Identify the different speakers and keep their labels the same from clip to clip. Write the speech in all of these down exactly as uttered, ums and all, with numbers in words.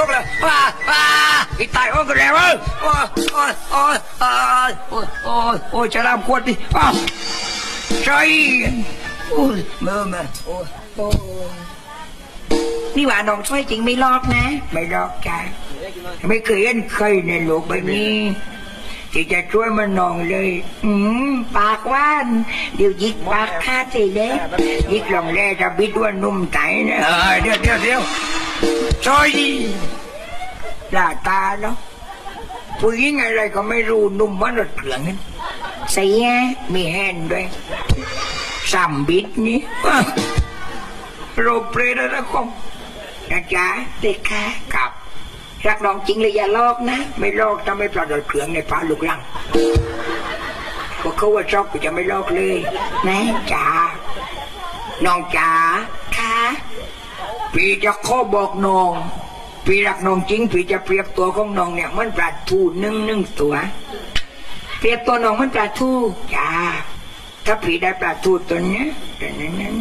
Speaker 1: กเลยว้าว้าอีตายโอ้กันแล้วเว้ยโอ้ยโอ้ยโอ้ยโอ้ยโอ้ยโอ้ยโอ้ยจะรำขวดดิอ้าวใช่โอ้ยเมื่อมาโอ้ยโอ้ยนี่ว่าน้องช่วยจริงไม่ลอกนะไม่ลอกจ้ะไม่เคยเห็นใครในโลกใบนี้ที่จะช่วยมันน้องเลยอืมปากว่านเดี๋ยวยิกปากคาดสิเด็กยิกลองแร่จะบิดว่านุ่มไตนะเออเดี๋ยวเดี๋ยวเดี๋ยวช่วยลาตาเนาะผู้หญิงอะไรก็ไม่รู้นุ่มมันรถเกลืองนั้นเสียมีแฮนด้วยสัมบิดนี่โรเปรตนะคงนะจ๊ะเด็กค่ะกับรักน้องจริงเลยอย่าลอกนะไม่ลอกถ้าไม่ปลอดรถเกลืองในฟ้าลูกลังพวกเขาว่าชอบกูจะไม่ลอกเลยนะจ๋าน้องจ๋าค่ะพี่จะขอบอกน้องพี่รักน้องจริงพี่จะเปรียบตัวของน้องเนี่ยมันปลาทูนึ่งนึ่งตัวเปรียบตัวน้องมันปลาทูจ้าถ้าพี่ได้ปลาทูตัวเนี้ยนั้น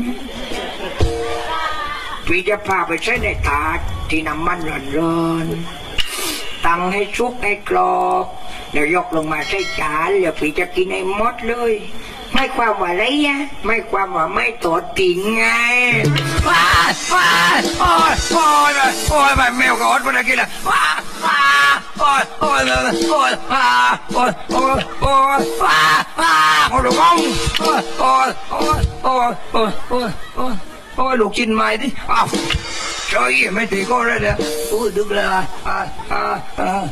Speaker 1: พี่จะพาไปใช้ในถาดที่น้ำมันร้อนๆตั้งให้ชุกให้กรอบแล้วยกลงมาใส่จานแล้วพี่จะกินให้หมดเลยไม่ความว่าอะไรอะไม่ความว่าไม่ตอดติ่งไงว้าว้าโอ้ยโอ้ยโอ้ยแบบแมวกับอดมันกินละว้าว้าโอ้ยโอ้ยโอ้ยว้าโอ้ยโอ้ยโอ้ยว้าว้าโอ้ยลูกองโอ้ยโอ้ยโอ้ยโอ้ยโอ้ยโอ้ยโอ้ยโอ้ยลูกชิ้นใหม่ดิอ้าวช่วยไม่ตีก็ได้เลยโอ้ยดึกเลยอ่ะอ่าอ่าอ่า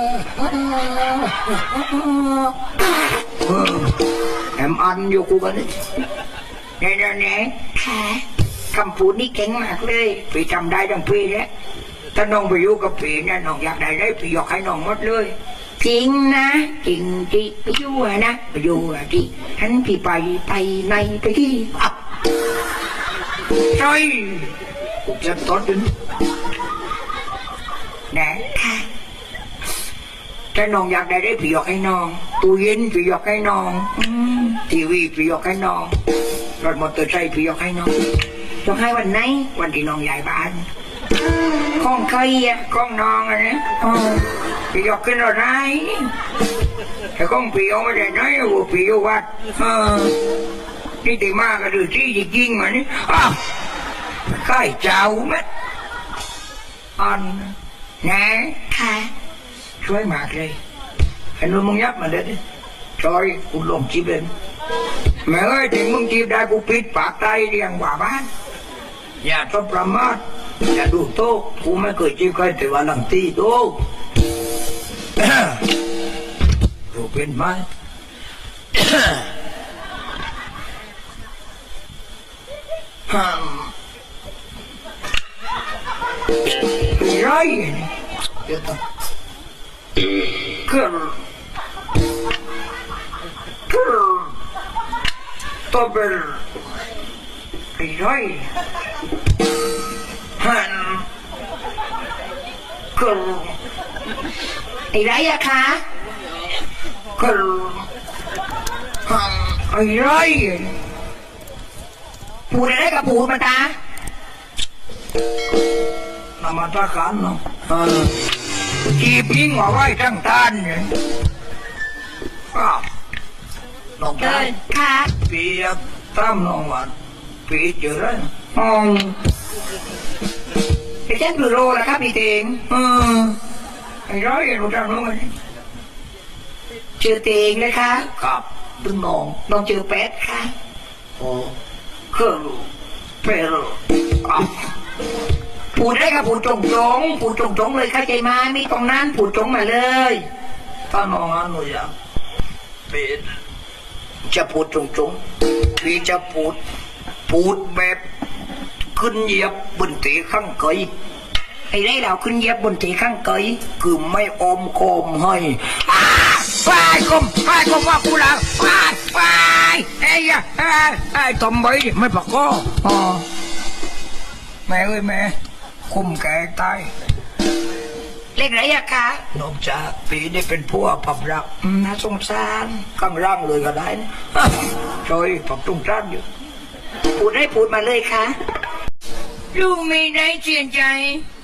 Speaker 1: แอมอันอยู่กูกันนี่เนี่ยเนี่ยค่ะคำพูดนี่เก่งมากเลยพี่จำได้ทั้งพี่แล้วถ้าน้องไปอยู่กับพี่เนี่ยน้องอยากได้ได้พี่อยากให้น้องหมดเลยจริงนะจริงที่ไปอยู่นะไปอยู่ที่ฉันพี่ไปไปในไปที่อับใช่กูจะตอดดึงนะค่ะถ้าน้องอยากได้ได้พี่อยากให้น้องตู้เย็นพี่อยากให้น้องทีวีพี่อยากให้น้องรถมอเตอร์ไซค์พี่อยากให้น้องอยากให้วันไหนวันที่น้องย้ายบ้านข้องใครอะข้องน้องอะนะพี่อยากขึ้นรถไหนแต่ข้องพี่เอาไม่ได้ไหนว่าพี่เอาวัดนี่ตีมากก็ดูที่จริงๆมานี่อ้าวใกล้เจ้าไหมอันนะค่ะช่วยมากเลยไอ้นุ่นมึงยับมาเลยดิจอยกูลงจีบเองแม่เอ้ยถึงมึงจีบได้กูปิดปากใจเรียงว่าบ้านอย่าต้องประมาทอย่าดูโต๊ะกูไม่เคยจีบใครแต่ว่าหลังตีโต๊ะดูเป็นไหมฮัมไรเดี๋ยวต้องเกิดเกิดตัวเป็นไรฮันเกิดอะไรอะคะเกิดฮันอะไรพูดอะไรกับพูดมาตานามาตาขันเนาะจีบยิงว่าไว้ทั้งทานเนี่ยน้องชายค่ะปีตั้มน้องวันปีเจอแล้วอ๋อไปเช็คดูโลแล้วครับพี่เตงเออไอ้ร้อยรู้จักน้องมันเจอเตงเลยค่ะครับดึงน้องน้องเจอแป๊ดค่ะโอ้เครื่องเปรพูดได้กับพูดจงจงพูดจงจงเลยเข้าใจไหมไม่ตรงนั้นพูดจงมาเลยถ้าน้องอันหนูอยากเป็นจะพูดจงจงพี่จะพูดพูดแบบขึ้นเหยียบบนเตะข้างเกยไอ้ได้เราขึ้นเหยียบบนเตะข้างเกยคือไม่อมโคมให้ไปกลมไปกลมว่ากูหลังไปไปไอ้ยะไอ้ไอ้ตอมใบไม่ปากก็อ๋อแม่เอ้ยแม่คุ้มแก่ตายเล็กไรอะคะนอกจากปีนี้เป็นพวกผับรักน่าสงสารข้างล่างเลยก็ได้นะจอยผับตรงจ้านอยู่พูดให้พูดมาเลยค่ะลูกไม่ได้เสียใจ